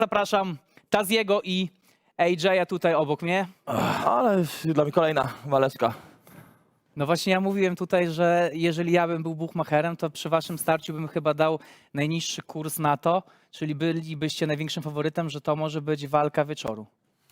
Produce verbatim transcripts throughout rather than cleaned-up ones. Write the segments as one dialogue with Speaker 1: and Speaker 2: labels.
Speaker 1: Zapraszam Taziego i A J tutaj obok mnie.
Speaker 2: Ale dla mnie kolejna waleczka.
Speaker 1: No właśnie ja mówiłem tutaj, że jeżeli ja bym był buchmacherem, to przy waszym starciu bym chyba dał najniższy kurs na to, czyli bylibyście największym faworytem, że to może być walka wieczoru.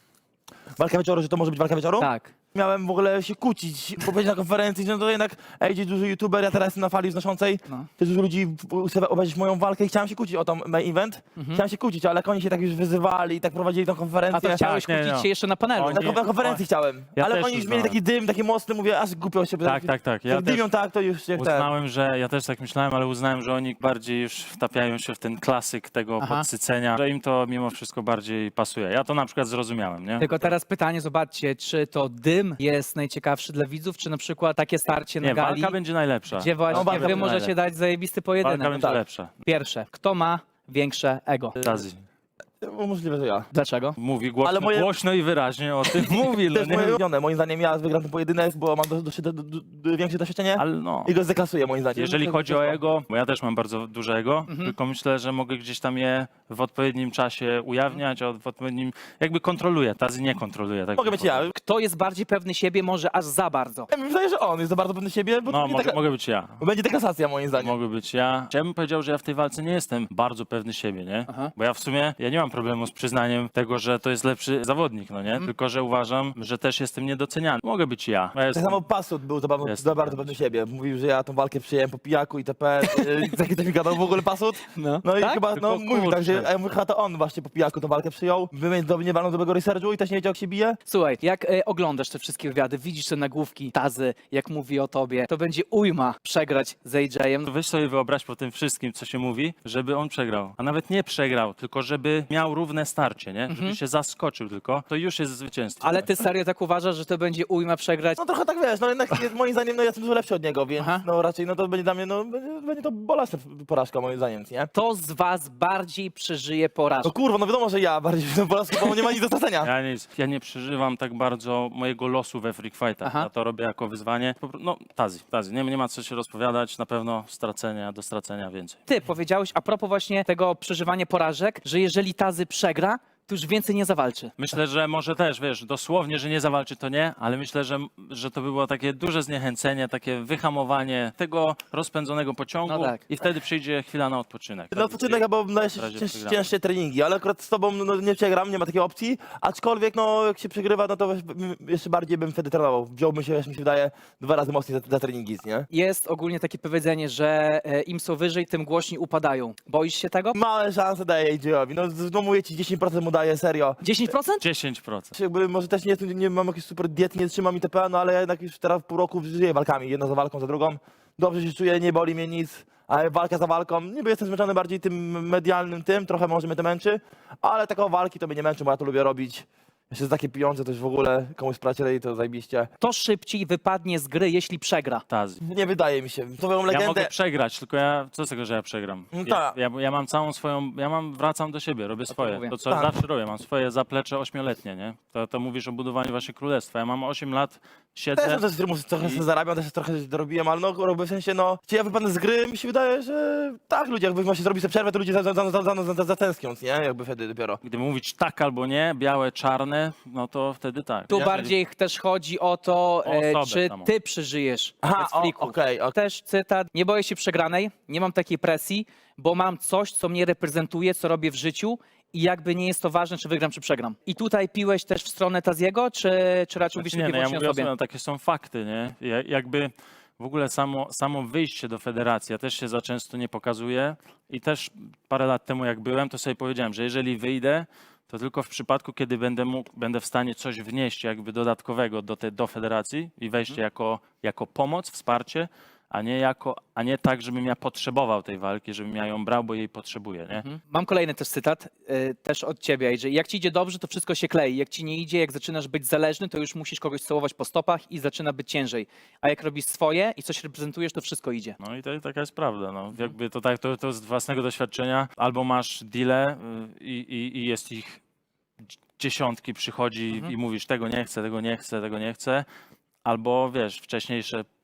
Speaker 2: Walka wieczoru, że to może być walka wieczoru?
Speaker 1: Tak.
Speaker 2: Miałem w ogóle się kłócić, bo powiedzieć na konferencji, że no to jednak A J duży youtuber, ja teraz jestem na fali wznoszącej.
Speaker 1: No.
Speaker 2: Też dużo ludzi chce obejrzeć moją walkę i chciałem się kłócić o tą main event.
Speaker 1: Mhm.
Speaker 2: Chciałem się kłócić, ale jak oni się tak już wyzywali i tak prowadzili tą
Speaker 1: A
Speaker 2: konferencję.
Speaker 1: to chciałeś
Speaker 3: nie,
Speaker 1: kłócić
Speaker 3: no.
Speaker 1: się jeszcze na panelu.
Speaker 3: Oni-
Speaker 2: Na kon- na konferencji
Speaker 3: o,
Speaker 2: chciałem,
Speaker 3: ja
Speaker 2: ale
Speaker 3: też
Speaker 2: oni już
Speaker 3: uznałem.
Speaker 2: mieli taki dym, taki mocny, mówię, aż głupio się.
Speaker 3: Tak, tak, tak. Ja
Speaker 2: Jak dymią
Speaker 3: też
Speaker 2: tak, to już się chce.
Speaker 3: uznałem, że ja też tak myślałem, ale uznałem, że oni bardziej już wtapiają się w ten klasyk tego
Speaker 1: Aha.
Speaker 3: podsycenia, że im to mimo wszystko bardziej pasuje. Ja to na przykład zrozumiałem, nie?
Speaker 1: Tylko teraz pytanie, zobaczcie, czy to dym jest najciekawszy dla widzów, czy na przykład takie starcie na
Speaker 3: Nie,
Speaker 1: gali,
Speaker 3: walka będzie najlepsza.
Speaker 1: gdzie właśnie
Speaker 2: No, walka
Speaker 1: wy
Speaker 2: będzie
Speaker 1: możecie
Speaker 3: najlepsza.
Speaker 1: dać zajebisty
Speaker 3: Walka
Speaker 1: pojedynek.
Speaker 3: będzie
Speaker 2: tak.
Speaker 3: lepsza.
Speaker 1: Pierwsze, kto ma większe ego?
Speaker 3: Tazi.
Speaker 2: Możliwe, że ja.
Speaker 1: Dlaczego?
Speaker 3: Mówi głośno,
Speaker 2: Ale moje-
Speaker 3: głośno i wyraźnie o tym mówi, no
Speaker 2: To jest moje
Speaker 3: nie?
Speaker 2: ulubione. Moim zdaniem ja wygram ten pojedynek, bo mam do, do, do, do, do, większe doświadczenie
Speaker 3: Ale no.
Speaker 2: i go zdeklasuję moim zdaniem.
Speaker 3: Jeżeli
Speaker 2: To-
Speaker 3: chodzi
Speaker 2: to-
Speaker 3: o ego, bo ja też mam bardzo duże ego,
Speaker 1: Mhm.
Speaker 3: tylko myślę, że mogę gdzieś tam je w odpowiednim czasie ujawniać, a w odpowiednim, jakby kontroluję, Tazi nie kontroluje. Tak
Speaker 2: Mogę
Speaker 3: bym
Speaker 2: być ja.
Speaker 1: Kto jest bardziej pewny siebie, może aż za bardzo?
Speaker 2: Ja mi wydaje, że on jest za bardzo pewny siebie, bo
Speaker 3: No,
Speaker 2: to będzie,
Speaker 3: mogę,
Speaker 2: dekla-
Speaker 3: mogę być ja.
Speaker 2: bo będzie deklasacja moim zdaniem.
Speaker 3: Mogę być ja. Ja bym powiedział, że ja w tej walce nie jestem bardzo pewny siebie, nie?
Speaker 1: Aha.
Speaker 3: Bo ja w sumie, ja nie mam problemu z przyznaniem tego, że to jest lepszy zawodnik, no nie?
Speaker 2: Mhm.
Speaker 3: Tylko, że uważam, że też jestem niedoceniany. Mogę być ja. ja
Speaker 2: Tak
Speaker 3: jestem...
Speaker 2: samo Pasut był za, bardzo-
Speaker 3: Jestem
Speaker 2: za bardzo
Speaker 3: ja.
Speaker 2: pewny siebie. Mówił, że ja tą walkę przyjąłem po pijaku i itp. Yy, Taki coś mi gadał w ogóle Pasut.
Speaker 1: No,
Speaker 2: No i
Speaker 1: tak?
Speaker 2: chyba, no
Speaker 3: Tylko
Speaker 2: mówił tak, że
Speaker 3: kurczę.
Speaker 2: a ja mówię, chyba to on właśnie po pijaku tą walkę przyjął. Wymienił do mnie walną dobrego researchu i też nie wiedział, jak się bije.
Speaker 1: Słuchaj, jak e, oglądasz te wszystkie wywiady, widzisz te nagłówki Tazy, jak mówi o tobie, to będzie ujma przegrać z A J-em.
Speaker 3: To weź sobie wyobraź po tym wszystkim, co się mówi, żeby on przegrał. A nawet nie przegrał, tylko żeby miał równe starcie, nie? Żeby się zaskoczył tylko, to już jest zwycięstwo.
Speaker 1: Ale ty serio tak uważasz, że to będzie ujma przegrać?
Speaker 2: No trochę tak wiesz, no jednak jest, moim zdaniem no, ja jestem dużo lepszy od niego, więc
Speaker 1: Aha.
Speaker 2: no raczej no to będzie dla mnie, no będzie, będzie to bolesna porażka moim zdaniem, nie?
Speaker 1: Kto z was bardziej przeżyje
Speaker 2: No
Speaker 1: porażkę?
Speaker 2: kurwa, no wiadomo, że ja bardziej no, porażkę, bo nie ma nic do stracenia.
Speaker 3: Ja nie, ja nie przeżywam tak bardzo mojego losu we freak fightach.
Speaker 1: Aha.
Speaker 3: Ja to robię jako wyzwanie. Po pro- No, Tazi, Tazi. Nie, nie ma co się rozpowiadać. Na pewno stracenia, do stracenia więcej.
Speaker 1: Ty powiedziałeś a propos właśnie tego przeżywania porażek, że jeżeli Tazy przegra, to już więcej nie zawalczy.
Speaker 3: Myślę, że może też, wiesz, dosłownie, że nie zawalczy, to nie, ale myślę, że, że to by było takie duże zniechęcenie, takie wyhamowanie tego rozpędzonego pociągu
Speaker 1: No tak.
Speaker 3: i wtedy przyjdzie chwila na odpoczynek.
Speaker 2: No odpoczynek, bo no,
Speaker 3: W
Speaker 2: jeszcze
Speaker 3: razie
Speaker 2: cięż,
Speaker 3: przegramy.
Speaker 2: cięższe treningi, ale akurat z tobą no, nie przegram, nie ma takiej opcji, aczkolwiek no jak się przegrywa, no to weź- m- jeszcze bardziej bym wtedy trenował. Wziąłbym się, wiesz, mi się wydaje, dwa razy mocniej za, za treningi, nie?
Speaker 1: Jest ogólnie takie powiedzenie, że e, im są wyżej, tym głośniej upadają. Boisz się tego?
Speaker 2: Małe szanse daje A J-owi, no, z- no mówię ci, dziesięć procent mu daje, serio.
Speaker 1: dziesięć procent?
Speaker 3: dziesięć procent.
Speaker 2: Jakby może też nie, jestem- nie mam jakiejś super diety, nie trzymam itp., no ale ja jednak już teraz w pół roku żyję walkami, jedna za walką, za drugą. Dobrze się czuję, nie boli mnie nic, ale walka za walką, niby jestem zmęczony bardziej tym medialnym tym, trochę może mnie to męczy, ale taką walki to mnie nie męczy, bo ja to lubię robić. Jeszcze za takie pieniądze też w ogóle komuś sprawcie to zajebiście.
Speaker 1: To szybciej wypadnie z gry, jeśli przegra.
Speaker 3: Tazi.
Speaker 2: Nie wydaje mi się. Powiem
Speaker 3: Ja
Speaker 2: legendę.
Speaker 3: mogę przegrać, tylko ja, co z tego, że ja przegram?
Speaker 2: No
Speaker 3: Ja,
Speaker 2: tak.
Speaker 3: ja, ja mam całą swoją, ja mam, wracam do siebie, robię swoje.
Speaker 1: mówię.
Speaker 3: To, co
Speaker 2: Tak.
Speaker 3: zawsze robię, mam swoje zaplecze ośmioletnie, nie? To, to mówisz o budowaniu waszego królestwa. Ja mam osiem lat, siedzę...
Speaker 2: Też też filmów trochę
Speaker 3: I-
Speaker 2: sobie zarabiam, też trochę coś dorobiłem, ale no robię w sensie, no, czy ja wypadnę z gry, mi się wydaje, że tak, ludzie, jakby właśnie zrobić sobie przerwę, to ludzie za- za- za- za- za- za- zatęsknią, nie? Jakby wtedy dopiero.
Speaker 3: Gdy mówić tak albo nie, białe, czarne, no to wtedy tak.
Speaker 1: Tu
Speaker 3: Nie?
Speaker 1: bardziej też chodzi o to,
Speaker 3: O
Speaker 1: e,
Speaker 3: osobę
Speaker 1: czy
Speaker 3: samą.
Speaker 1: ty przeżyjesz
Speaker 2: Aha,
Speaker 1: bez
Speaker 2: o,
Speaker 1: frików.
Speaker 2: okej, okej.
Speaker 1: Też cytat, nie boję się przegranej, nie mam takiej presji, bo mam coś, co mnie reprezentuje, co robię w życiu i jakby nie jest to ważne, czy wygram, czy przegram. I tutaj piłeś też w stronę Taziego, czy, czy raczej mówisz
Speaker 3: Znaczy,
Speaker 1: tylko
Speaker 3: nie,
Speaker 1: i
Speaker 3: no,
Speaker 1: wyłącznie
Speaker 3: ja mówię
Speaker 1: o
Speaker 3: o
Speaker 1: sobie?
Speaker 3: sobie, no, takie są fakty, nie? Ja, jakby w ogóle samo, samo wyjście do federacji, ja też się za często nie pokazuję i też parę lat temu jak byłem, to sobie powiedziałem, że jeżeli wyjdę, to tylko w przypadku, kiedy będę mógł, będę w stanie coś wnieść jakby dodatkowego do, te, do federacji i wejście
Speaker 1: Mhm.
Speaker 3: jako, jako pomoc, wsparcie, a nie, jako, a nie tak, żebym ja potrzebował tej walki, żebym ja ją brał, bo jej potrzebuję, nie?
Speaker 1: Mhm. Mam kolejny też cytat, y, też od ciebie, A J. Jak ci idzie dobrze, to wszystko się klei. Jak ci nie idzie, jak zaczynasz być zależny, to już musisz kogoś całować po stopach i zaczyna być ciężej. A jak robisz swoje i coś reprezentujesz, to wszystko idzie.
Speaker 3: No i to, taka jest prawda. No. Jakby to, tak, to, to z własnego doświadczenia. Albo masz deale y, i, i, i jest ich dziesiątki, przychodzi
Speaker 1: Mhm.
Speaker 3: i mówisz tego nie chcę, tego nie chcę, tego nie chcę. Albo wiesz, wcześniejsze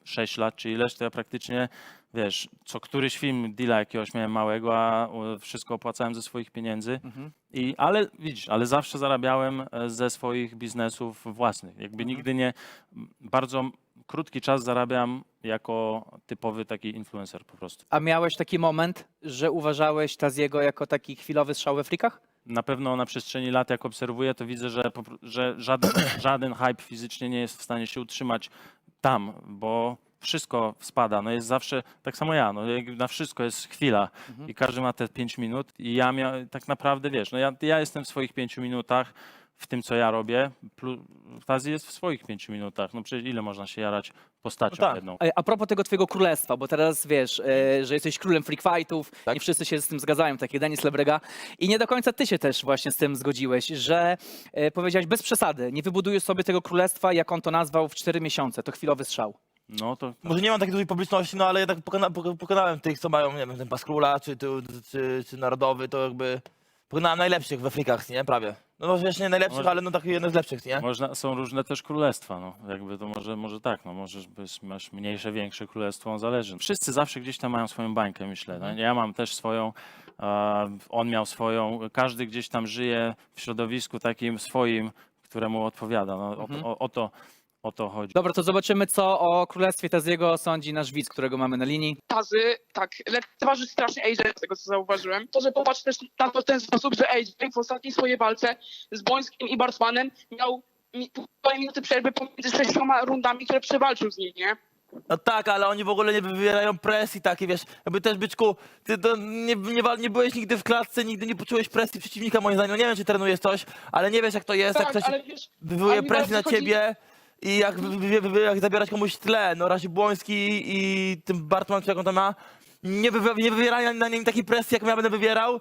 Speaker 3: sześć lat czy ileś, to ja praktycznie, wiesz, co któryś film deala jakiegoś miałem małego, a e, wszystko opłacałem ze swoich pieniędzy.
Speaker 1: Mhm.
Speaker 3: I, ale widzisz, ale zawsze zarabiałem e, ze swoich biznesów własnych. Jakby
Speaker 1: Mhm.
Speaker 3: nigdy nie, bardzo krótki czas zarabiam jako typowy taki influencer po prostu.
Speaker 1: A miałeś taki moment, że uważałeś Taziego jako taki chwilowy strzał we frikach?
Speaker 3: Na pewno na przestrzeni lat, jak obserwuję, to widzę, że, po pr- że żaden, żaden hype fizycznie nie jest w stanie się utrzymać tam, bo wszystko spada. No jest zawsze, tak samo ja, no jak na wszystko jest chwila
Speaker 1: Mhm.
Speaker 3: i każdy ma te pięć minut i ja mia- tak naprawdę, wiesz, no ja, ja jestem w swoich pięciu minutach, w tym, co ja robię, plus Tazi jest w swoich pięciu minutach. No przecież ile można się jarać postacią
Speaker 2: No tak.
Speaker 3: jedną?
Speaker 1: A a propos tego twojego królestwa, bo teraz wiesz, e, że jesteś królem freak fightów,
Speaker 2: Tak.
Speaker 1: nie wszyscy się z tym zgadzają, tak jak Denis Lebrega. I nie do końca ty się też właśnie z tym zgodziłeś, że e, powiedziałeś bez przesady, nie wybudujesz sobie tego królestwa, jak on to nazwał, w cztery miesiące. To chwilowy strzał.
Speaker 3: No to
Speaker 2: Może nie mam takiej dużej publiczności, no ale jednak pokona, poko- pokonałem tych, co mają, nie wiem, ten pas króla, czy, czy, czy, czy narodowy, to jakby pokonałem najlepszych we frikach, nie? Prawie. No może jeszcze nie najlepszych,
Speaker 3: Może-
Speaker 2: ale no taki jeden z lepszych, nie?
Speaker 3: można, są różne też królestwa, no jakby to może, może tak, no możesz być, masz mniejsze, większe królestwo, on zależy. Wszyscy zawsze gdzieś tam mają swoją bańkę, myślę. No. Ja mam też swoją, e, on miał swoją, każdy gdzieś tam żyje w środowisku takim swoim, któremu odpowiada. No,
Speaker 1: Mhm.
Speaker 3: o, o, o to o to chodzi.
Speaker 1: Dobra, to zobaczymy, co o królestwie Taziego sądzi nasz widz, którego mamy na linii.
Speaker 4: Tazy, tak, lekceważy strasznie A J, z tego co zauważyłem. To, że popatrz też na to w ten sposób, że A J w ostatniej swojej walce z Bońskim i Bartmanem miał mi- półtorej minuty przerwy pomiędzy sześcioma rundami, które przewalczył z nim, nie?
Speaker 2: No tak, ale oni w ogóle nie wywierają presji takiej, wiesz, jakby też, byczku, ty to nie, nie, wa- nie byłeś nigdy w klatce, nigdy nie poczułeś presji przeciwnika, moim zdaniem. No nie wiem, czy trenujesz coś, ale nie wiesz, jak to jest, jak
Speaker 4: Tak,
Speaker 2: ktoś
Speaker 4: ale wiesz,
Speaker 2: wywołuje
Speaker 4: ale mi
Speaker 2: presję na
Speaker 4: bardzo chodzi-
Speaker 2: ciebie i jak, wy- wy- wy- jak zabierać komuś tle, no Razi Błoński i tym Bartman, czy jak on tam ma, nie, wywi- nie wywierają na nim takiej presji, jaką ja będę wywierał.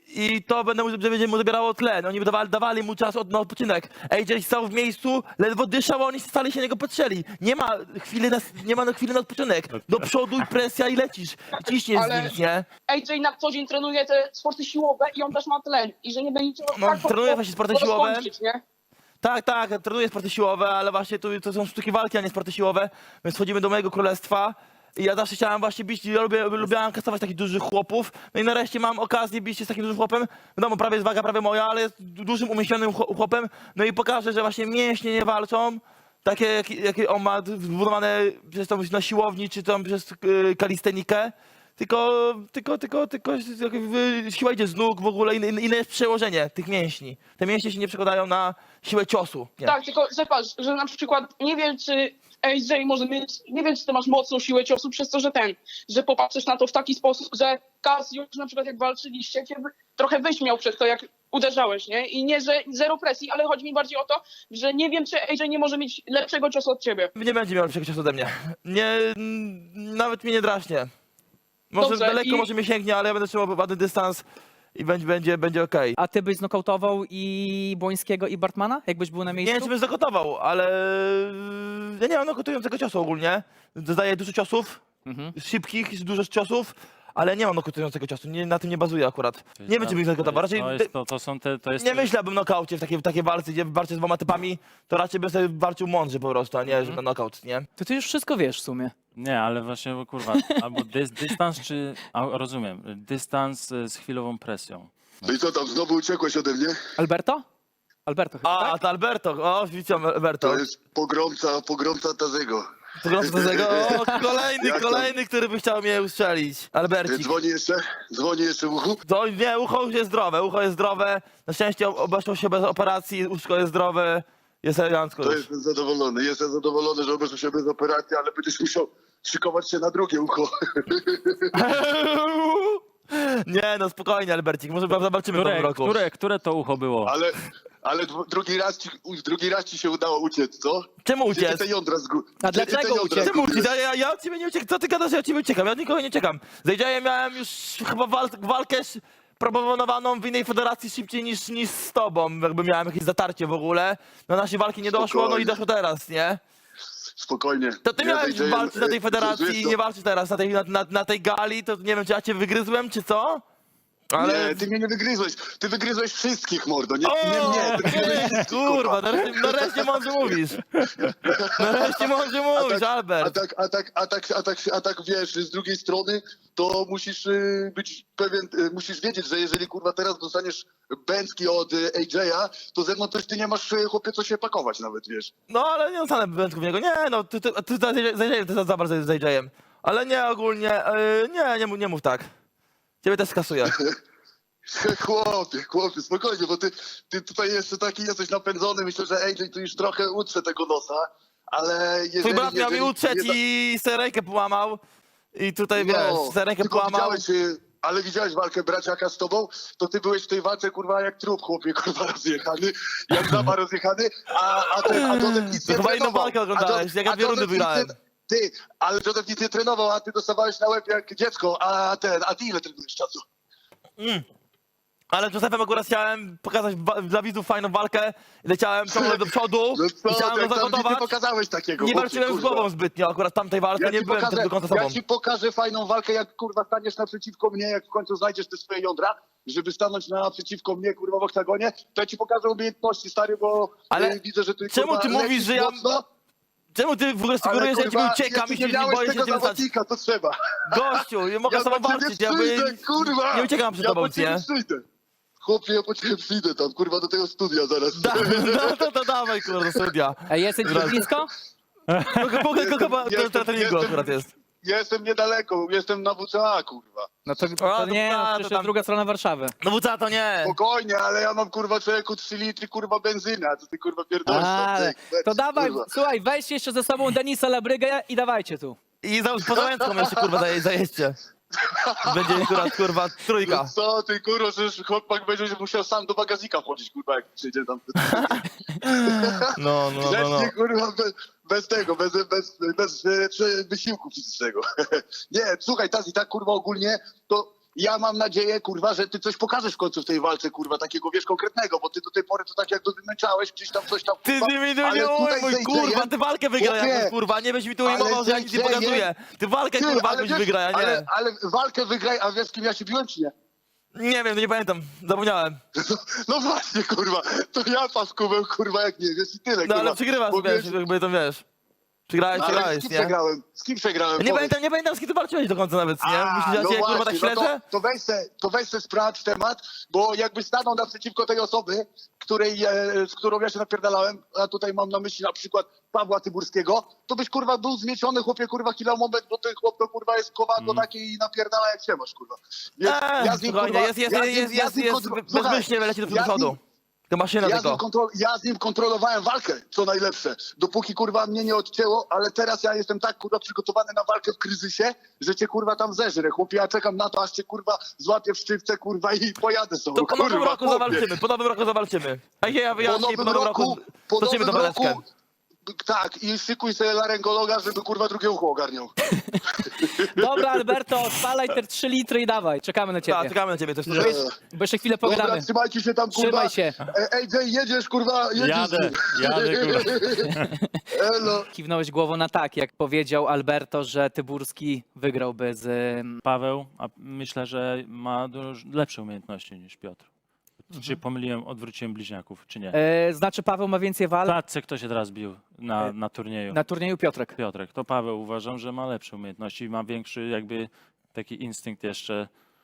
Speaker 2: I to będę mu, że będzie mu zabierało tle. No, oni dawali, dawali mu czas od, na odpoczynek. A J stał w miejscu, ledwo dyszał, a oni stali się niego patrzyli. Nie ma chwili na, nie ma na chwilę na odpoczynek. Do przodu i presja i lecisz. I ciśniesz
Speaker 4: Ale-
Speaker 2: z nim, nie?
Speaker 4: A J na co dzień trenuje te sporty siłowe i on też ma tlen. I że nie będzie
Speaker 2: No, trenuje właśnie sporty siłowe.
Speaker 4: skończyć, nie?
Speaker 2: Tak, tak, trenuję sporty siłowe, ale właśnie tu to są sztuki walki, a nie sporty siłowe. Więc wchodzimy do mojego królestwa. I ja zawsze chciałem właśnie bić, ja lubię, lubiałem kasować takich dużych chłopów. No i nareszcie mam okazję bić się z takim dużym chłopem. Wiadomo, prawie jest waga, prawie moja, ale jest du- dużym, umieśnionym chło- chłopem. No i pokażę, że właśnie mięśnie nie walczą. Takie, jakie, jakie on ma zbudowane przez tą na siłowni, czy tam przez yy, kalistenikę. Tylko, tylko, tylko, tylko jakby siła idzie z nóg w ogóle, inne, inne jest przełożenie tych mięśni. Te mięśnie się nie przekładają na siłę ciosu. Nie.
Speaker 4: Tak, tylko że patrz, że na przykład nie wiem, czy A J może mieć, nie wiem, czy ty masz mocną siłę ciosu przez to, że ten, że popatrzysz na to w taki sposób, że Cassius na przykład jak walczyliście, cię wy- trochę wyśmiał przez to, jak uderzałeś, nie? I nie, że zero presji, ale chodzi mi bardziej o to, że nie wiem, czy A J nie może mieć lepszego ciosu od ciebie.
Speaker 2: Nie będzie miał lepszego ciosu ode mnie. Nie, mm, nawet mnie nie draśnie. Może
Speaker 4: Dobrze,
Speaker 2: daleko,
Speaker 4: i-
Speaker 2: może mnie sięgnie, ale ja będę trzymał ładny dystans i będzie, będzie, będzie okej.
Speaker 1: A ty byś znokautował i Błońskiego, i Bartmana, jakbyś był na
Speaker 2: Nie
Speaker 1: miejscu?
Speaker 2: wiem, czy bym zagotował, ale ja nie mam nokautującego ciosu ogólnie. Zadaję dużo ciosów,
Speaker 1: Mhm.
Speaker 2: szybkich, dużo ciosów, ale nie mam nokautującego ciosu. Nie, na tym nie bazuję akurat. Nie wiem, czy bym ich
Speaker 3: To
Speaker 2: zagotował.
Speaker 3: jest-
Speaker 2: Raczej
Speaker 3: To, jest, to, to są te, to jest
Speaker 2: nie
Speaker 3: te-
Speaker 2: myślę, abym nokaucie w takiej, w takiej walce, gdzie walczę z dwoma typami, to raczej bym sobie walczył mądrze po prostu, a nie, że na nokaut, nie?
Speaker 1: To ty już wszystko wiesz w sumie.
Speaker 3: Nie, ale właśnie, bo kurwa, albo dys, dystans, czy, a, rozumiem, dystans e, z chwilową presją.
Speaker 5: No i co tam, znowu uciekłeś ode mnie?
Speaker 1: Alberto? Alberto chyba,
Speaker 2: A,
Speaker 1: tak?
Speaker 2: to Alberto, o, widzicie Alberto.
Speaker 5: To jest pogromca, pogromca Tazego.
Speaker 2: Pogląd do tego, o, kolejny,
Speaker 5: Jak tam?
Speaker 2: kolejny, który by chciał mnie ustrzelić. Albercik.
Speaker 5: Dzwoni jeszcze? Dzwoni jeszcze w uchu?
Speaker 2: To, nie, ucho już jest zdrowe, ucho jest zdrowe. Na szczęście obeszło się bez operacji, uszko jest zdrowe. Jest elegancko
Speaker 5: To
Speaker 2: już.
Speaker 5: jestem zadowolony. Jestem zadowolony, że obeszło się bez operacji, ale będziesz musiał szykować się na drugie ucho.
Speaker 2: Nie, no spokojnie, Albercik, może zobaczymy w
Speaker 3: Które,
Speaker 2: nowym roku.
Speaker 3: które, które to ucho było?
Speaker 5: Ale, ale dwu- drugi, raz ci, u- drugi raz ci się udało uciec, co?
Speaker 2: Czemu
Speaker 5: Gdzie ty
Speaker 2: uciec?
Speaker 5: te jądra zgu...
Speaker 1: A
Speaker 5: gdzie ty te
Speaker 1: dlaczego
Speaker 5: jądra
Speaker 1: uciec?
Speaker 2: Czemu uciec?
Speaker 5: zgubiłeś?
Speaker 2: Ja, ja, ja od ciebie nie uciekam. Co ty gadasz, że ja od ciebie uciekam? Ja od nikogo nie uciekam. Z A J-em miałem już chyba wal walkę sz- proponowaną w innej federacji szybciej niż, niż z tobą. Jakby miałem jakieś zatarcie w ogóle. Na naszej walki nie doszło, no i
Speaker 5: Spokojnie.
Speaker 2: doszło teraz, nie?
Speaker 5: Spokojnie.
Speaker 2: To ty
Speaker 5: Ja
Speaker 2: miałeś
Speaker 5: zejdę-
Speaker 2: walczyć na tej
Speaker 5: e,
Speaker 2: federacji
Speaker 5: wiesz
Speaker 2: i
Speaker 5: co?
Speaker 2: nie walczysz teraz na tej, na, na, na tej gali, to nie wiem, czy ja cię wygryzłem, czy co? Ale...
Speaker 5: Nie, ty mnie nie wygryzłeś. Ty wygryzłeś wszystkich, mordo. Nie,
Speaker 2: O,
Speaker 5: nie mnie. Ty wygryzłeś
Speaker 2: ty,
Speaker 5: wszystkich,
Speaker 2: kurwa, nareszcie, nareszcie mądrze mówisz. Nareszcie mądrze mówisz,
Speaker 5: tak, a
Speaker 2: Albert.
Speaker 5: tak, a tak, a tak, a tak, a tak wiesz, z drugiej strony to musisz y, być pewien, y, musisz wiedzieć, że jeżeli kurwa teraz dostaniesz bęcki od y, A J a, to ze mną też ty nie masz y, chłopie co się pakować nawet, wiesz.
Speaker 2: No ale nie dostanę wędków w niego. Nie, no, ty, ty, ty z A J-em, ty za bardzo z A J-em. Ale nie, ogólnie, yy, nie, nie, mów- nie mów tak. Ciebie też skasuję.
Speaker 5: Chłopie, chłopie, spokojnie, bo ty, ty tutaj jeszcze taki jesteś napędzony. Myślę, że A J tu już trochę utrze tego nosa, ale jeżeli...
Speaker 2: Twój brat miał mi
Speaker 5: jeżeli
Speaker 2: utrzeć
Speaker 5: nie da-
Speaker 2: i sobie rękę połamał. I tutaj,
Speaker 5: No,
Speaker 2: wiesz, sobie rękę
Speaker 5: tylko
Speaker 2: połamał.
Speaker 5: widziałeś, y, ale widziałeś walkę braciaka z tobą, to ty byłeś w tej walce, kurwa, jak trup, chłopie, kurwa, rozjechany, jak żaba rozjechany, a, a ten, a Joseph nic
Speaker 2: To
Speaker 5: nie
Speaker 2: chyba inną
Speaker 5: trenował.
Speaker 2: walkę
Speaker 5: A
Speaker 2: oglądałeś,
Speaker 5: Jo-
Speaker 2: jak ja
Speaker 5: a
Speaker 2: dwie rundy
Speaker 5: Joseph nic nie-
Speaker 2: wygrałem.
Speaker 5: Ty, ale Joseph nic nie trenował, a ty dostawałeś na łeb jak dziecko, a ten, a ty ile trenujesz czasu?
Speaker 2: Ale Josephem akurat chciałem pokazać wa- dla widzów fajną walkę. Leciałem ciągle do przodu
Speaker 5: No
Speaker 2: i
Speaker 5: co,
Speaker 2: chciałem
Speaker 5: ty,
Speaker 2: go
Speaker 5: tam nic nie
Speaker 2: zagotować.
Speaker 5: pokazałeś takiego,
Speaker 2: Nie
Speaker 5: chłopie,
Speaker 2: walczyłem z
Speaker 5: kurwa.
Speaker 2: głową zbytnio, akurat w tamtej walce
Speaker 5: Ja
Speaker 2: nie
Speaker 5: ci,
Speaker 2: byłem
Speaker 5: pokażę,
Speaker 2: też do końca sobą.
Speaker 5: ja ci pokażę fajną walkę, jak kurwa staniesz naprzeciwko mnie, jak w końcu znajdziesz te swoje jądra, żeby stanąć naprzeciwko mnie, kurwa, w oktagonie, to ja ci pokażę umiejętności, stary, bo
Speaker 2: Ale
Speaker 5: y, widzę, że ty,
Speaker 2: czemu
Speaker 5: kurwa,
Speaker 2: ty mówisz,
Speaker 5: lecisz
Speaker 2: że ja-
Speaker 5: mocno,
Speaker 2: Czemu ty w ogóle
Speaker 5: ale,
Speaker 2: sugerujesz, że ja
Speaker 5: kurwa,
Speaker 2: ci uciekam i
Speaker 5: jeszcze
Speaker 2: się
Speaker 5: nie
Speaker 2: nie
Speaker 5: miałeś
Speaker 2: boję się
Speaker 5: tego
Speaker 2: ciebie stać?
Speaker 5: zawodnika, to trzeba.
Speaker 2: Gościu, ja mogę
Speaker 5: Ja
Speaker 2: z tobą
Speaker 5: po ciebie
Speaker 2: walczyć, ja by...
Speaker 5: przyjdę, kurwa!
Speaker 2: nie uciekam przed
Speaker 5: ja
Speaker 2: tobą,
Speaker 5: po ciebie
Speaker 2: nie?
Speaker 5: przyjdę. Chłopie, ja po ciebie przyjdę tam, kurwa, do tego studia zaraz.
Speaker 2: Da, no to, to dawaj, kurwa, do studia.
Speaker 1: Ej, jesteś
Speaker 2: Dobra.
Speaker 1: blisko?
Speaker 2: Mogę, mogę,
Speaker 5: Jestem-
Speaker 2: kogo do
Speaker 5: jestem-
Speaker 2: treningu
Speaker 5: jestem-
Speaker 2: akurat jest.
Speaker 5: Ja jestem niedaleko, jestem na W C A, kurwa.
Speaker 1: No to,
Speaker 2: A,
Speaker 1: to
Speaker 2: to
Speaker 1: nie,
Speaker 2: ta,
Speaker 1: no,
Speaker 2: to
Speaker 1: przecież
Speaker 2: tam-
Speaker 1: jest druga strona Warszawy.
Speaker 2: No W C A to nie.
Speaker 5: Spokojnie, ale ja mam, kurwa, człowieku trzy litry, kurwa, benzyny, a co ty, kurwa, pierdolisz?
Speaker 1: Ale,
Speaker 5: tam,
Speaker 1: to
Speaker 5: ty,
Speaker 1: dawaj,
Speaker 5: kurwa.
Speaker 1: słuchaj, weź jeszcze ze sobą Denisa Labrygę i dawajcie tu.
Speaker 2: I za podałęcką jeszcze, kurwa, zaje, zajeźdźcie. Będzie akurat, kurwa, trójka.
Speaker 5: No co ty, kurwa, że chłopak będzie musiał sam do bagażnika wchodzić, kurwa, jak przyjdzie tam.
Speaker 2: No, no, no, no.
Speaker 5: Grzecznie, kurwa, bez, bez tego, bez, bez, bez, bez wysiłku fizycznego. Nie, słuchaj, Tazi, tak, kurwa, ogólnie, to ja mam nadzieję, kurwa, że ty coś pokażesz w końcu w tej walce, kurwa, takiego, wiesz, konkretnego, bo ty do tej pory to tak jak dowymęczałeś, gdzieś tam coś tam,
Speaker 2: Ty
Speaker 5: kurwa,
Speaker 2: z nimi tu
Speaker 5: ale
Speaker 2: nie
Speaker 5: tutaj
Speaker 2: ujmuj,
Speaker 5: z
Speaker 2: kurwa,
Speaker 5: A J-em
Speaker 2: ty walkę wygraj
Speaker 5: Chłopie,
Speaker 2: jakąś, kurwa, nie byś mi tu
Speaker 5: ale
Speaker 2: ujmował, że ja nic nie
Speaker 5: z A J-em
Speaker 2: pokazuję. Ty walkę,
Speaker 5: Ty,
Speaker 2: kurwa,
Speaker 5: ale
Speaker 2: jakąś
Speaker 5: wiesz,
Speaker 2: wygraj, a nie.
Speaker 5: ale, ale walkę wygraj, a wiesz, z kim ja się biłem, czy nie?
Speaker 2: Nie wiem, nie pamiętam, zapomniałem.
Speaker 5: No właśnie, kurwa, to ja paskubeł, kurwa, jak nie wiesz i tyle,
Speaker 2: No
Speaker 5: kurwa.
Speaker 2: ale przegrywasz,
Speaker 5: Bo
Speaker 2: wiesz,
Speaker 5: wiesz,
Speaker 2: jakby to wiesz. Przegrałeś,
Speaker 5: no, ale
Speaker 2: przegrałeś,
Speaker 5: z kim
Speaker 2: nie?
Speaker 5: przegrałem? Z kim przegrałem?
Speaker 2: Nie
Speaker 5: Powiedz.
Speaker 2: pamiętam, nie pamiętam, z kim ty walczyłeś do końca nawet, nie?
Speaker 5: A,
Speaker 2: Myślisz, że ja
Speaker 5: no
Speaker 2: cię, kurwa, tak
Speaker 5: właśnie, no
Speaker 2: śledzę?
Speaker 5: to, to, weź se, to weź se sprawdź temat, bo jakby stanął naprzeciwko tej osoby, której, e, z którą ja się napierdalałem, a tutaj mam na myśli na przykład Pawła Tyburskiego, to byś, kurwa, był zmieciony, chłopie, kurwa, kilo moment, bo ten chłop to, kurwa, jest kowadło takie i napierdala jak się masz, kurwa. Więc
Speaker 2: Eee,
Speaker 5: ja z nim,
Speaker 2: spokojnie,
Speaker 5: kurwa,
Speaker 2: jest, jest,
Speaker 5: ja z
Speaker 2: jest,
Speaker 5: nim-
Speaker 2: jest,
Speaker 5: ja z
Speaker 2: jest,
Speaker 5: nim
Speaker 2: jest,
Speaker 5: kontro-
Speaker 2: bez-
Speaker 5: Słuchaj,
Speaker 2: bezmyślnie leci do
Speaker 5: ja z nim-
Speaker 2: przodu. To maszyna
Speaker 5: Ja z, nim
Speaker 2: tylko.
Speaker 5: kontrol, ja z nim kontrolowałem walkę, co najlepsze. Dopóki, kurwa, mnie nie odcięło, ale teraz ja jestem tak, kurwa, przygotowany na walkę w kryzysie, że cię, kurwa, tam zeżrę. Chłopie, ja czekam na to, aż cię, kurwa, złapię w sztywce, kurwa, i pojadę sobie.
Speaker 2: To po nowym
Speaker 5: kurwa,
Speaker 2: roku
Speaker 5: chłopie.
Speaker 2: zawalczymy, po nowym roku zawalczymy. A ja
Speaker 5: Po
Speaker 2: wyjaśnię, po nowym roku
Speaker 5: po
Speaker 2: toczymy
Speaker 5: nowym
Speaker 2: tą
Speaker 5: roku,
Speaker 2: waleczkę.
Speaker 5: tak, i szykuj sobie laryngologa, żeby, kurwa, drugie ucho ogarniał.
Speaker 1: Dobra, Alberto, odpalaj te trzy litry i dawaj, czekamy na
Speaker 2: Tak,
Speaker 1: ciebie.
Speaker 2: czekamy na ciebie też.
Speaker 5: Dobra,
Speaker 1: Bo jeszcze chwilę pogadamy.
Speaker 5: trzymajcie się tam, kurwa.
Speaker 1: Trzymaj się.
Speaker 5: E, Ej, Jay, jedziesz, kurwa, jedziesz.
Speaker 3: Jadę, jadę, kurwa.
Speaker 5: Elo.
Speaker 1: Kiwnąłeś głową na tak, jak powiedział Alberto, że Tyburski wygrałby z... ym,
Speaker 3: Paweł, a myślę, że ma dużo lepsze umiejętności niż Piotr. Czy pomyliłem, odwróciłem bliźniaków, czy nie?
Speaker 1: E, znaczy Paweł ma więcej
Speaker 3: W
Speaker 1: walk
Speaker 3: klatce kto się teraz bił na,
Speaker 1: E,
Speaker 3: na turnieju?
Speaker 1: na turnieju Piotrek.
Speaker 3: Piotrek. To Paweł uważam, że ma lepsze umiejętności i ma większy jakby taki instynkt jeszcze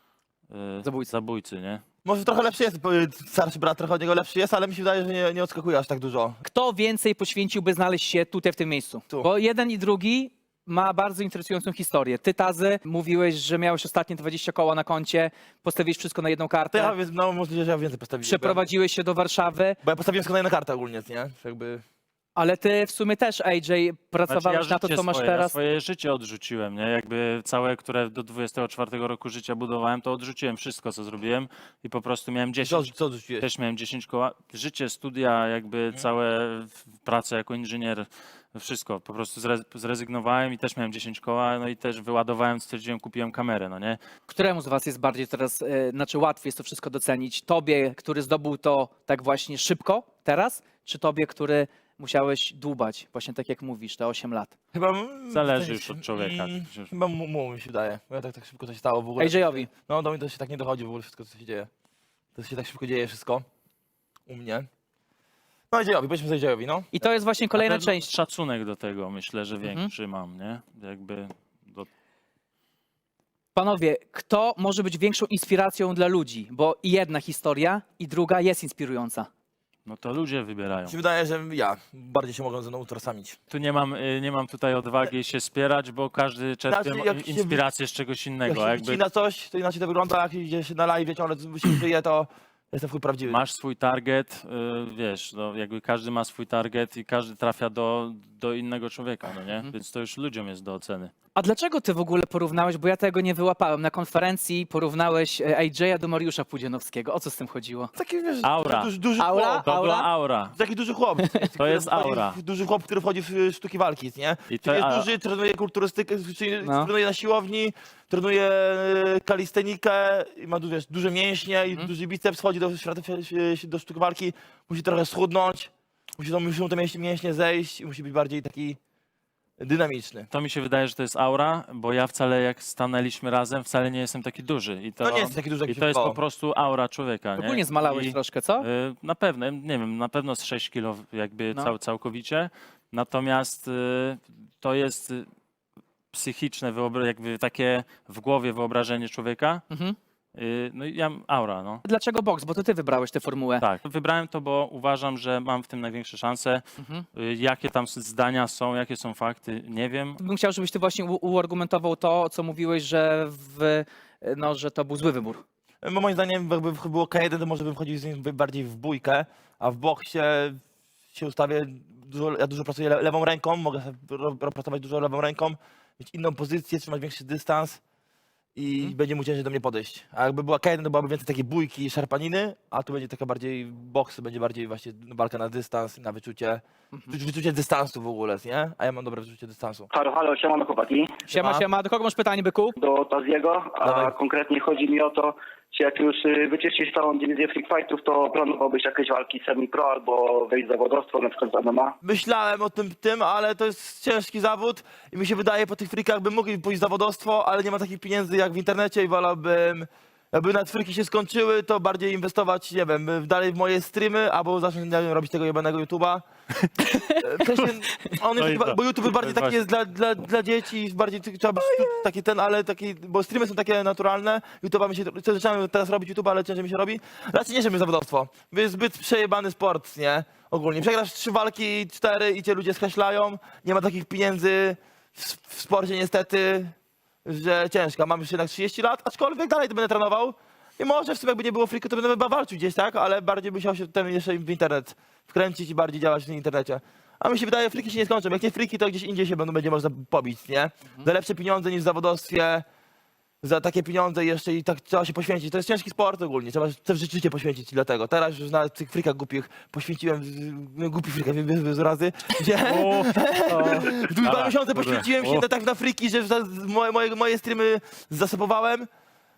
Speaker 3: e,
Speaker 1: Zabójcy.
Speaker 3: zabójcy, nie?
Speaker 2: Może trochę lepszy jest, bo starszy brat trochę od niego lepszy jest, ale mi się wydaje, że nie, nie odskakuje aż tak dużo.
Speaker 1: Kto więcej poświęciłby znaleźć się tutaj w tym miejscu?
Speaker 2: Tu.
Speaker 1: Bo jeden i drugi ma bardzo interesującą historię. Ty, Tazy, mówiłeś, że miałeś ostatnie dwadzieścia koła na koncie, postawiłeś wszystko na jedną
Speaker 2: To
Speaker 1: kartę,
Speaker 2: ja, więc, no możliwe, że ja więcej postawiłem.
Speaker 1: przeprowadziłeś się do Warszawy,
Speaker 2: Bo ja postawiłem tylko na jedną kartę ogólnie, nie? Jakby...
Speaker 1: ale ty w sumie też, A J, pracowałeś
Speaker 3: Znaczy, ja
Speaker 1: na to,
Speaker 3: życie
Speaker 1: co masz
Speaker 3: swoje, Ja
Speaker 1: teraz.
Speaker 3: swoje życie odrzuciłem, nie? Jakby całe, które do dwudziestego czwartego roku życia budowałem, to odrzuciłem wszystko, co zrobiłem i po prostu miałem
Speaker 2: Co,
Speaker 3: dziesięć.
Speaker 2: co odrzuciłeś?
Speaker 3: Też miałem dziesięć koła. Życie, studia, jakby całe w- pracę jako inżynier, wszystko. Po prostu zre, zrezygnowałem i też miałem dziesięć koła, no i też wyładowałem, stwierdziłem, kupiłem kamerę, no nie?
Speaker 1: Któremu z was jest bardziej teraz, e, znaczy łatwiej jest to wszystko docenić? Tobie, który zdobył to tak właśnie szybko teraz, czy tobie, który musiałeś dłubać, właśnie tak jak mówisz, te osiem lat?
Speaker 2: Chyba... mm,
Speaker 3: Zależy
Speaker 2: coś-
Speaker 3: już od człowieka.
Speaker 2: mm,
Speaker 3: Przecież-
Speaker 2: Chyba mu, mu mi się wydaje. Bo ja tak, tak szybko to się stało w ogóle.
Speaker 1: A J J-owi?
Speaker 2: No do mnie to się tak nie dochodzi w ogóle wszystko, co się dzieje. To się tak szybko dzieje wszystko. U mnie. No J J-owi, powiedzmy J J-owi, no.
Speaker 1: I to jest właśnie
Speaker 3: Na
Speaker 1: kolejna
Speaker 3: pewno
Speaker 1: część.
Speaker 3: Szacunek do tego myślę, że
Speaker 1: Mhm.
Speaker 3: większy mam, nie? Jakby do...
Speaker 1: Panowie, kto może być większą inspiracją dla ludzi? Bo i jedna historia, i druga jest inspirująca.
Speaker 3: No to ludzie wybierają.
Speaker 2: Mi się wydaje, że ja bardziej się mogą ze mną utożsamić.
Speaker 3: Tu nie mam, y, nie mam tutaj odwagi się spierać, bo każdy czerpie
Speaker 2: Znaczy,
Speaker 3: mo-
Speaker 2: jak się-
Speaker 3: inspirację z czegoś
Speaker 2: Jak
Speaker 3: innego.
Speaker 2: się
Speaker 3: Jakby
Speaker 2: wycina coś, to inaczej to wygląda, jak idzie się na live, ciągle się żyje, to jestem w chuj prawdziwy.
Speaker 3: masz swój target, y, wiesz, no jakby każdy ma swój target i każdy trafia do, do innego człowieka, no nie? Więc to już ludziom jest do oceny.
Speaker 1: A dlaczego ty w ogóle porównałeś, bo ja tego nie wyłapałem, na konferencji porównałeś e, A J-a do Mariusza Pudzianowskiego. O co z tym chodziło?
Speaker 2: Taki, wiesz,
Speaker 3: Aura.
Speaker 2: Duży, duży
Speaker 1: Aura?
Speaker 2: chłop.
Speaker 3: To
Speaker 1: Aura?
Speaker 3: była aura.
Speaker 2: Taki duży chłop.
Speaker 3: To jest
Speaker 2: który wchodzi
Speaker 3: aura.
Speaker 2: w- Duży chłop, który wchodzi w y, sztuki walki, nie?
Speaker 3: I
Speaker 2: Czyli
Speaker 3: to,
Speaker 2: jest
Speaker 3: a,
Speaker 2: duży, trenuje kulturystykę, czyli
Speaker 1: No.
Speaker 2: trenuje na siłowni, trenuje y, kalistenikę, i ma du- wiesz, duże mięśnie i
Speaker 1: Mhm.
Speaker 2: duży biceps, wchodzi do, świata- do sztuki walki, musi trochę schudnąć, musi, to- muszą te mięśnie, mięśnie zejść i musi być bardziej taki dynamiczny.
Speaker 3: to mi się wydaje, że to jest aura, bo ja wcale jak stanęliśmy razem, wcale nie jestem taki duży. I to,
Speaker 2: No nie jest taki duży, jak
Speaker 3: i
Speaker 2: się
Speaker 3: to jest
Speaker 2: wydawało.
Speaker 3: po prostu aura człowieka, nie?
Speaker 1: Ogólnie zmalałeś
Speaker 3: I,
Speaker 1: troszkę, co?
Speaker 3: y, Na pewno, nie wiem, na pewno z sześć kilo jakby
Speaker 1: No.
Speaker 3: cał, całkowicie. Natomiast y, to jest y, psychiczne, wyobra- jakby takie w głowie wyobrażenie człowieka.
Speaker 1: Mhm.
Speaker 3: Y, No i ja aura, no.
Speaker 1: Dlaczego boks? Bo to ty wybrałeś tę formułę.
Speaker 3: Tak, wybrałem to, bo uważam, że mam w tym największe szanse.
Speaker 1: Mhm.
Speaker 3: Y, Jakie tam zdania są, jakie są fakty, nie wiem.
Speaker 1: Bym chciał, żebyś ty właśnie u- uargumentował to, co mówiłeś, że, w, no, że to był zły wybór.
Speaker 2: No, moim zdaniem, jakby było K jeden, to może bym chodził z nim bardziej w bójkę, a w boksie się ustawię, dużo, ja dużo pracuję le- lewą ręką, mogę sobie ro- ro- pracować dużo lewą ręką, mieć inną pozycję, trzymać większy dystans i
Speaker 1: Mhm.
Speaker 2: będzie mu ciężej do mnie podejść. A jakby była K jeden, to byłaby więcej takiej bójki i szarpaniny, a tu będzie taka bardziej boks, będzie bardziej właśnie walka na dystans, na wyczucie,
Speaker 1: Mhm.
Speaker 2: wyczu- wyczucie dystansu w ogóle, nie? A ja mam dobre wyczucie dystansu.
Speaker 6: Halo, halo, siemano chłopaki,
Speaker 1: Siema,
Speaker 2: Siema.
Speaker 1: siema. Do kogo masz pytanie, byku?
Speaker 6: do Taziego, a
Speaker 2: Dawaj.
Speaker 6: konkretnie chodzi mi o to, czy jak już y, wyczyścisz całą dywizję Freak Fightów, to planowałbyś jakieś walki semi-pro albo wejść w zawodowstwo, na przykład z M M A?
Speaker 2: Myślałem o tym, tym, ale to jest ciężki zawód i mi się wydaje, po tych frikach bym mógł pójść w zawodowstwo, ale nie ma takich pieniędzy jak w internecie i wolałbym, jakby nawet friki się skończyły, to bardziej inwestować, nie wiem, w- dalej w moje streamy, albo zacząć nie wiem, robić tego jebanego YouTube'a. E, w sensie, on jest,
Speaker 3: No i
Speaker 2: chyba-
Speaker 3: to.
Speaker 2: bo YouTube
Speaker 3: To
Speaker 2: bardziej
Speaker 3: jest
Speaker 2: taki
Speaker 3: właśnie-
Speaker 2: jest dla, dla, dla dzieci, bardziej ty- trzeba być taki ten, ale taki, bo streamy są takie naturalne, YouTube'a mi się, to zaczynamy teraz robić YouTube, ale ciężej mi się robi. Raczej nie, żeby zawodowstwo, bo jest zbyt przejebany sport, nie? Ogólnie. Przegrasz trzy walki, cztery i cię ludzie skreślają, nie ma takich pieniędzy w, w sporcie niestety, że ciężko. Mam już jednak trzydzieści lat, aczkolwiek dalej to będę trenował. I może w sumie jakby nie było friku, to będę chyba walczył gdzieś, tak? Ale bardziej bym musiał się ten jeszcze w internet wkręcić i bardziej działać w internecie. A mi się wydaje, friki się nie skończą. Jak nie friki, to gdzieś indziej się będą, będzie można pobić, nie? Za lepsze pieniądze niż w zawodowstwie. Za takie pieniądze jeszcze i tak trzeba się poświęcić. To jest ciężki sport ogólnie. Trzeba też życie poświęcić dlatego. Teraz już na tych frikach głupich poświęciłem, no, głupi frikach z razy, gdzie
Speaker 3: O,
Speaker 2: dwa
Speaker 3: Dobra,
Speaker 2: miesiące
Speaker 3: dobra.
Speaker 2: poświęciłem się
Speaker 3: O.
Speaker 2: na, tak na friki, że za- moje, moje, moje streamy zasobowałem.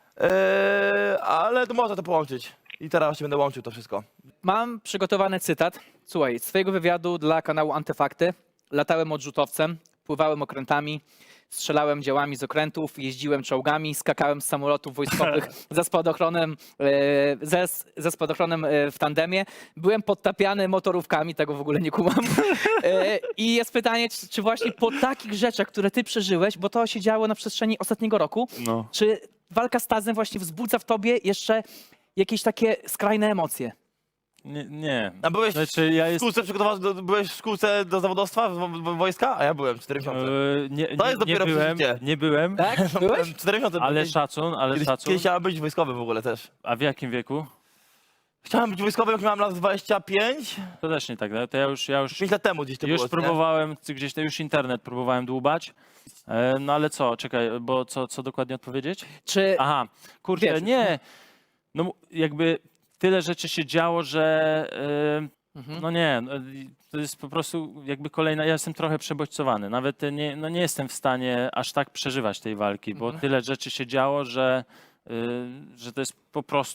Speaker 2: Eee, ale to można to połączyć. I teraz właśnie będę łączył to wszystko.
Speaker 1: Mam przygotowany cytat. Słuchaj, z twojego wywiadu dla kanału Antyfakty. Latałem odrzutowcem, pływałem okrętami, strzelałem działami z okrętów, jeździłem czołgami, skakałem z samolotów wojskowych za spadochronem, e, ze, ze spadochronem e, w tandemie. Byłem podtapiany motorówkami, tego w ogóle nie kumam. E, I jest pytanie, czy, czy właśnie po takich rzeczach, które ty przeżyłeś, bo to się działo na przestrzeni ostatniego roku,
Speaker 3: no.
Speaker 1: czy walka z Tazem właśnie wzbudza w tobie jeszcze jakieś takie skrajne emocje?
Speaker 3: Nie, nie.
Speaker 2: A byłeś
Speaker 3: Znaczy, ja
Speaker 2: w
Speaker 3: jest,
Speaker 2: szkółce przygotowany, do, byłeś w szkółce do zawodowstwa, w, w, wojska? A ja byłem cztery miesiące.
Speaker 3: e, nie,
Speaker 2: To
Speaker 3: nie,
Speaker 2: jest
Speaker 3: nie
Speaker 2: dopiero
Speaker 3: byłem,
Speaker 2: przeżycie.
Speaker 3: nie byłem,
Speaker 1: Tak? Byłeś?
Speaker 2: Byłem cztery miesiące.
Speaker 3: ale
Speaker 2: kiedyś,
Speaker 3: szacun, ale
Speaker 2: kiedyś,
Speaker 3: szacun.
Speaker 2: kiedyś chciałem być wojskowym w ogóle też.
Speaker 3: A w jakim wieku?
Speaker 2: Chciałem być wojskowym, jak miałem lat dwadzieścia pięć.
Speaker 3: To też nie tak, no to ja już, ja już,
Speaker 2: pięć lat temu gdzieś to
Speaker 3: już
Speaker 2: było. nie?
Speaker 3: próbowałem, gdzieś to już internet próbowałem dłubać. E, No ale co, czekaj, bo co, co dokładnie odpowiedzieć?
Speaker 1: Czy
Speaker 3: Aha, kurczę,
Speaker 1: Wiesz,
Speaker 3: nie. No mu- jakby tyle rzeczy się działo, że e,
Speaker 1: Mhm.
Speaker 3: no nie, no, i to jest po prostu jakby kolejna, ja jestem trochę przebodźcowany. Nawet nie, no nie jestem w stanie aż tak przeżywać tej walki, bo
Speaker 1: Mhm.
Speaker 3: tyle rzeczy się działo, że, y, że to jest po prostu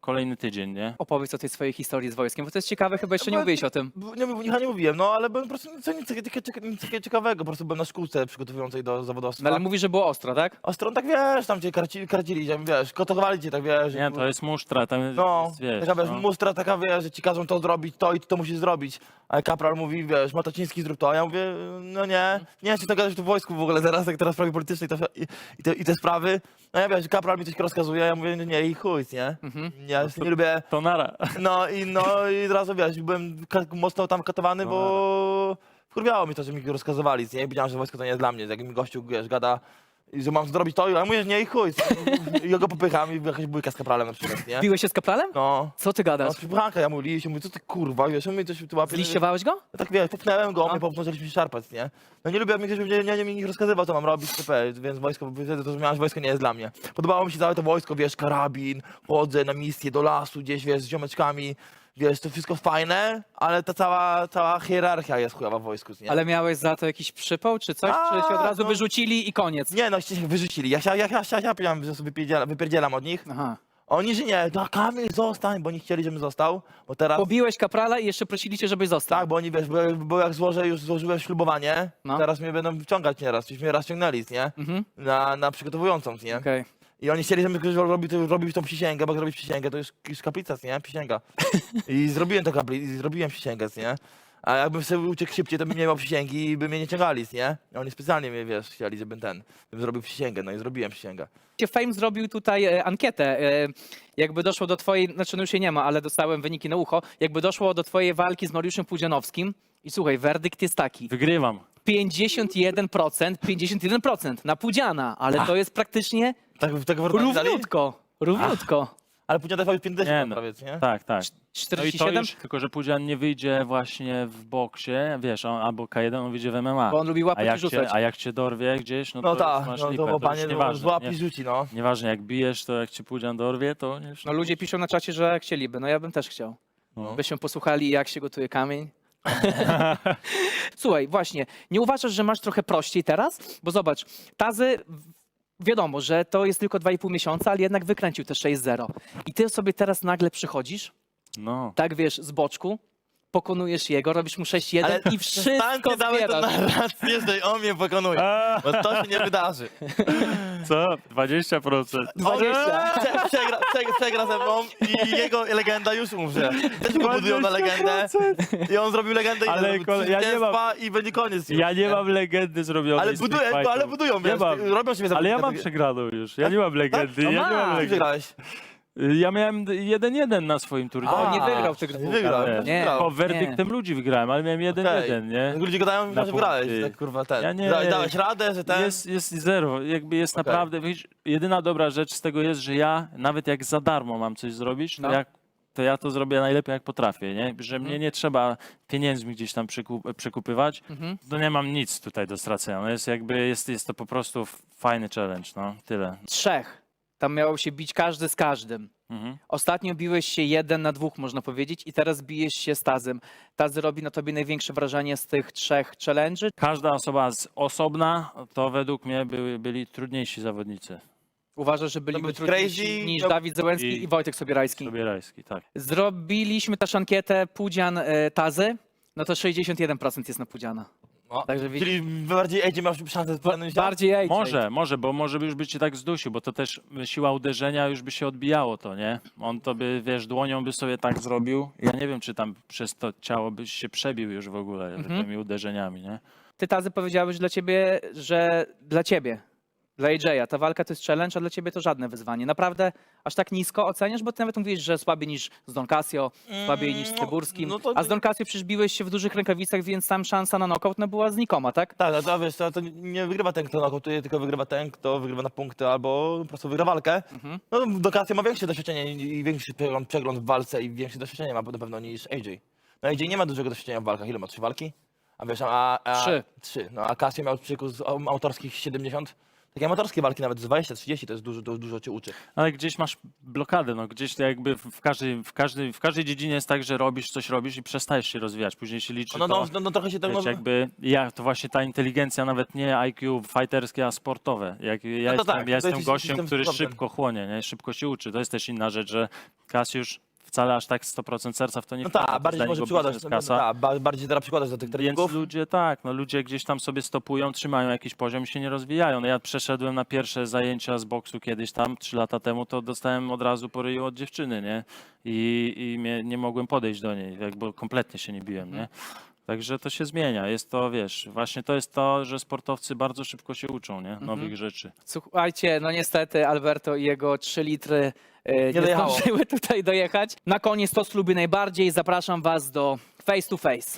Speaker 3: kolejny tydzień, nie?
Speaker 1: Opowiedz o tej swojej historii z wojskiem, bo to jest ciekawe, chyba jeszcze nie
Speaker 2: Bo-
Speaker 1: mówiłeś o tym.
Speaker 2: Bo Nie, nie, nie mówiłem, no ale byłem po prostu nic, nic, nic, nic, nic takiego ciekawego, po prostu byłem na szkółce przygotowującej do zawodowstwa.
Speaker 1: No ale mówisz, że było ostro, tak?
Speaker 2: A stron tak wiesz, tam cię karcili, karcili cię, wiesz, kotowali cię, tak wiesz.
Speaker 3: Nie, to jest musztra, tam
Speaker 2: No,
Speaker 3: jest, wiesz,
Speaker 2: taka wiesz,
Speaker 3: no.
Speaker 2: mustra taka wiesz, że ci każą to zrobić, to i to musisz zrobić. A kapral mówi, wiesz, Mataciński zrób to, a ja mówię, no nie, nie chcę to gadać tu w wojsku w ogóle teraz, jak teraz sprawy polityczne i, to, i, i, te, i te sprawy. No ja wiesz, kapral mi coś rozkazuje, ja mówię, nie, i chuj, nie?
Speaker 1: Mhm.
Speaker 2: Ja już nie lubię,
Speaker 3: To nara.
Speaker 2: no i no i od razu wiesz, byłem ka- mocno tam katowany, bo wkurwiało mi to, że mi rozkazywali, nie? Wiedziałem, że wojsko to nie jest dla mnie, jak mi gościu, wiesz, gada, i że mam zrobić to, i ja mówię, nie, i chuj, i ja go popycham i jakaś bójka z kapralem na przykład, nie?
Speaker 1: Biłeś się z kapralem?
Speaker 2: No.
Speaker 1: Co ty
Speaker 2: No,
Speaker 1: gadasz?
Speaker 2: przypychanka, ja mówię, się mówi, co ty kurwa, wiesz, on mi coś tu łapie.
Speaker 1: Zliściowałeś go?
Speaker 2: Ja tak wiesz, popchnąłem go,
Speaker 1: No.
Speaker 2: mnie popchnął, zaczęliśmy się szarpać, nie? No nie lubię, jak mi ktoś nie, nie, nie mi rozkazywał, co mam robić, typę, więc wojsko, wtedy to zrozumiałem, że wojsko nie jest dla mnie. Podobało mi się całe to wojsko, wiesz, karabin, chodzę na misję do lasu gdzieś, wiesz, z ziomeczkami, wiesz, to wszystko fajne, ale ta cała, cała hierarchia jest chujowa w wojsku, nie?
Speaker 1: Ale miałeś za to jakiś przypał czy coś?
Speaker 2: A,
Speaker 1: czy cię od razu
Speaker 2: no.
Speaker 1: wyrzucili i koniec?
Speaker 2: Nie, no, się wyrzucili, ja się, ja, ja, ja, ja, ja że sobie wypierdzielam, wypierdzielam od nich.
Speaker 1: Aha.
Speaker 2: Oni, że nie, no Kamil, zostań, bo nie chcieli, żebym został, bo teraz...
Speaker 1: Pobiłeś kaprala i jeszcze prosili cię, żebyś został.
Speaker 2: Tak, bo oni, wiesz, bo, bo jak złożę, już złożyłem ślubowanie,
Speaker 1: No.
Speaker 2: teraz mnie będą wciągać nieraz, już mnie raz ciągnęli, nie?
Speaker 1: Mhm.
Speaker 2: Na, na przygotowującą, nie?
Speaker 1: Okej.
Speaker 2: I oni chcieli, żebym ktoś robił, to- robił tą przysięgę, bo jak robić przysięgę, to już, już kaplica, nie? Przysięga. I zrobiłem to kapli, i zrobiłem przysięgę, nie? A jakbym sobie uciekł szybciej, to bym nie miał przysięgi i by mnie nie ciągali, nie? I oni specjalnie mnie, wiesz, chcieli, żebym ten, żebym zrobił przysięgę, no i zrobiłem przysięgę.
Speaker 1: Cię Fame zrobił tutaj e, ankietę. E, jakby doszło do twojej, znaczy no już jej nie ma, ale dostałem wyniki na ucho. Jakby doszło do twojej walki z Mariuszem Pudzianowskim i słuchaj, werdykt jest taki.
Speaker 3: Wygrywam.
Speaker 1: pięćdziesiąt jeden procent, pięćdziesiąt jeden procent na Pudziana, ale to jest praktycznie
Speaker 2: Tak, tak w Urbanii dali?
Speaker 1: równiutko. Równiutko.
Speaker 2: Ale później trwał już pięćdziesiąt
Speaker 3: Nie no.
Speaker 2: prawie, nie?
Speaker 3: Tak, tak. No i
Speaker 1: czterdzieści
Speaker 3: to
Speaker 1: siedem?
Speaker 3: już, tylko że Pudzian nie wyjdzie właśnie w boksie, wiesz, on, albo K jeden, on wyjdzie w M M A.
Speaker 1: Bo on lubi
Speaker 3: A
Speaker 1: łapać i
Speaker 3: jak,
Speaker 1: rzucać.
Speaker 3: cię, a jak cię dorwie gdzieś, no,
Speaker 2: No
Speaker 3: to
Speaker 2: tak,
Speaker 3: już masz
Speaker 2: no
Speaker 3: lipę,
Speaker 2: to
Speaker 3: to
Speaker 2: panie,
Speaker 3: już
Speaker 2: no,
Speaker 3: nieważne.
Speaker 2: złap
Speaker 3: Nie,
Speaker 2: i rzuci, no.
Speaker 3: nieważne, jak bijesz, to jak cię Pudzian dorwie, to już...
Speaker 1: No ludzie piszą na czacie, że chcieliby. No ja bym też chciał.
Speaker 3: No.
Speaker 1: Byśmy posłuchali, jak się gotuje kamień. Słuchaj, właśnie, nie uważasz, że masz trochę prościej teraz? Bo zobacz, Tazy, w- wiadomo, że to jest tylko dwa i pół miesiąca, ale jednak wykręcił te sześć zero. I ty sobie teraz nagle przychodzisz,
Speaker 3: No.
Speaker 1: tak wiesz, z boczku, pokonujesz jego, robisz mu sześć jeden i wszystko
Speaker 2: Stańcie dałeś tą
Speaker 1: zbierasz.
Speaker 2: narrację, że on mnie pokonuje, bo to się nie wydarzy.
Speaker 3: Co? dwadzieścia procent.
Speaker 1: dwadzieścia.
Speaker 2: Prze- Przegra, przegra, przegra ze mną i jego legenda już umrze. Też go budują na legendę i on zrobił legendę i
Speaker 3: Ale
Speaker 2: zrobił
Speaker 3: kole- ja nie
Speaker 2: zwycięstwa i będzie koniec już.
Speaker 3: Ja nie mam legendy zrobionej
Speaker 2: Ale
Speaker 3: z
Speaker 2: buduję,
Speaker 3: Street
Speaker 2: ale
Speaker 3: Fightów.
Speaker 2: budują,
Speaker 3: Nie
Speaker 2: wiesz,
Speaker 3: mam.
Speaker 2: robią siebie
Speaker 3: Ale ja mam
Speaker 2: za
Speaker 3: przegraną już. Ja nie mam legendy.
Speaker 1: No
Speaker 3: Ja nie
Speaker 1: masz.
Speaker 3: mam
Speaker 2: Ty
Speaker 3: legendy.
Speaker 2: wygrałeś.
Speaker 3: Ja miałem jeden jeden na swoim turnieju.
Speaker 1: O, nie
Speaker 2: A,
Speaker 1: wygrał tych dwóch.
Speaker 2: wygrał,
Speaker 3: ale-
Speaker 1: Nie,
Speaker 2: wygrał.
Speaker 3: Po werdyktem ludzi wygrałem, ale miałem jeden
Speaker 2: Okej.
Speaker 3: jeden, nie?
Speaker 2: Ludzie gadają,
Speaker 3: Na
Speaker 2: że wygrałeś,
Speaker 3: punkty.
Speaker 2: tak kurwa ten.
Speaker 3: Ja nie-
Speaker 2: Da, dałeś radę, że ten...
Speaker 3: Jest, jest zero. Jakby jest
Speaker 2: Okej.
Speaker 3: naprawdę, wiesz, jedyna dobra rzecz z tego jest, że ja nawet jak za darmo mam coś zrobić, to,
Speaker 1: No.
Speaker 3: jak, to ja to zrobię najlepiej jak potrafię, nie? Że mnie nie trzeba pieniędzmi gdzieś tam przekup, przekupywać,
Speaker 1: Mhm.
Speaker 3: to nie mam nic tutaj do stracenia. No jest jakby, jest, jest to po prostu fajny challenge, no, tyle.
Speaker 1: Trzech. Tam miało się bić każdy z każdym.
Speaker 3: Mhm.
Speaker 1: Ostatnio biłeś się jeden na dwóch, można powiedzieć, i teraz bijesz się z Tazem. Tazy robi na tobie największe wrażenie z tych trzech challenge'y.
Speaker 3: Każda osoba z osobna, to według mnie były, byli trudniejsi zawodnicy.
Speaker 1: Uważasz, że byliby
Speaker 2: być
Speaker 1: trudniejsi
Speaker 2: crazy,
Speaker 1: niż
Speaker 2: no-
Speaker 1: Dawid Zełenski i,
Speaker 3: I-
Speaker 1: Wojtek Sobierajski.
Speaker 3: Sobierajski, tak.
Speaker 1: Zrobiliśmy też ankietę Pudzian e, Tazy, no to sześćdziesiąt jeden procent jest na Pudziana.
Speaker 2: No.
Speaker 1: Także widzisz,
Speaker 2: Czyli bardziej Ejdzie miał szansę z
Speaker 1: bardziej ej.
Speaker 3: Może, może, bo może by już by cię tak zdusił, bo to też siła uderzenia już by się odbijało to, nie? On to by, wiesz, dłonią by sobie tak zrobił. Ja nie wiem, czy tam przez to ciało byś się przebił już w ogóle
Speaker 1: Mhm.
Speaker 3: tymi uderzeniami, nie?
Speaker 1: Ty Tazy powiedziałeś dla ciebie, że dla ciebie, dla A J a ta walka to jest challenge, a dla ciebie to żadne wyzwanie. Naprawdę aż tak nisko oceniasz, bo ty nawet mówisz, że słabiej niż z Don Casio, słabiej niż z
Speaker 2: no,
Speaker 1: Tyburskim,
Speaker 2: no to-
Speaker 1: a z Don Casio przecież biłeś się w dużych rękawicach, więc tam szansa na knockout no, była znikoma, tak?
Speaker 2: Tak, ale to wiesz, to, to nie wygrywa ten, kto nokautuje, tylko wygrywa ten, kto wygrywa na punkty albo po prostu wygra walkę.
Speaker 1: Mhm.
Speaker 2: No do Casio ma większe doświadczenie i i większy przegląd, przegląd w walce i większe doświadczenie ma na pewno niż A J. No A J nie ma dużego doświadczenia w walkach. Ile ma? Trzy walki? A wiesz, a... a
Speaker 1: Trzy.
Speaker 2: Trzy. No a Casio miał przykus autorskich siedemdziesiąt. takie amatorskie walki nawet z dwadzieścia trzydzieści to jest dużo, to dużo cię uczy.
Speaker 3: Ale gdzieś masz blokadę, no gdzieś to jakby w każdej, w, każdej, w każdej dziedzinie jest tak, że robisz coś robisz i przestajesz się rozwijać. Później się liczy
Speaker 2: No,
Speaker 3: to,
Speaker 2: no, no, no trochę się tak
Speaker 3: wiesz, jakby ja, to właśnie ta inteligencja, nawet nie I Q fighterskie, a sportowe. Jak, ja
Speaker 2: No to
Speaker 3: jestem,
Speaker 2: tak,
Speaker 3: ja
Speaker 2: to
Speaker 3: jestem
Speaker 2: jest
Speaker 3: gościem,
Speaker 2: system
Speaker 3: który
Speaker 2: sportem.
Speaker 3: szybko chłonie, nie? Szybko się uczy. To jest też inna rzecz, że Kasiusz wcale aż tak sto procent serca w to nie
Speaker 2: No
Speaker 3: wkłada. To
Speaker 2: tak,
Speaker 3: jest
Speaker 2: bardziej
Speaker 3: dla
Speaker 2: może
Speaker 3: niego
Speaker 2: przykładać,
Speaker 3: biznes,
Speaker 2: no,
Speaker 3: kasa.
Speaker 2: ta, ba- bardziej teraz przykładać do tych
Speaker 3: Więc
Speaker 2: treningów.
Speaker 3: ludzie tak, no ludzie gdzieś tam sobie stopują, trzymają jakiś poziom i się nie rozwijają. No ja przeszedłem na pierwsze zajęcia z boksu kiedyś tam, trzy lata temu, to dostałem od razu po ryju od dziewczyny, nie? I, i mnie, nie mogłem podejść do niej, jakby kompletnie się nie biłem, nie? Także to się zmienia. Jest to, wiesz, właśnie to jest to, że sportowcy bardzo szybko się uczą, nie? Nowych rzeczy.
Speaker 1: Słuchajcie, no niestety Alberto i jego trzy litry e, nie,
Speaker 2: dojechało.
Speaker 1: zdążyły tutaj dojechać. Na koniec to, co lubię najbardziej, zapraszam was do face to face.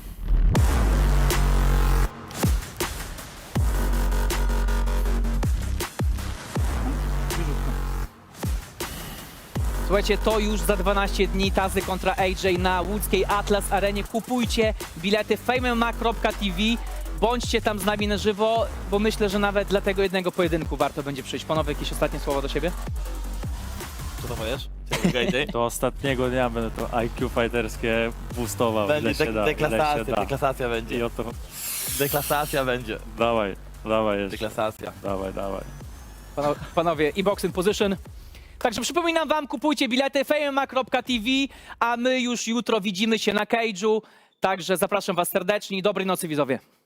Speaker 1: Słuchajcie, to już za dwanaście dni Tazy kontra A J na łódzkiej Atlas Arenie. Kupujcie bilety fame M M A kropka T V. Bądźcie tam z nami na żywo, bo myślę, że nawet dla tego jednego pojedynku warto będzie przyjść. Panowie, jakieś ostatnie słowa do siebie?
Speaker 2: Co to powiesz?
Speaker 3: Do ostatniego dnia będę to I Q fighterskie boostował, ile
Speaker 2: Będzie
Speaker 3: się da, ile się
Speaker 2: deklasacja,
Speaker 3: da.
Speaker 2: deklasacja
Speaker 3: I
Speaker 2: będzie.
Speaker 3: oto,
Speaker 2: Deklasacja będzie.
Speaker 3: dawaj, dawaj jeszcze,
Speaker 2: Deklasacja.
Speaker 3: dawaj, dawaj.
Speaker 1: Pano- Panowie, i box in position. Także przypominam wam, kupujcie bilety fame M M A kropka T V, a my już jutro widzimy się na Cage'u. Także zapraszam was serdecznie i dobrej nocy widzowie.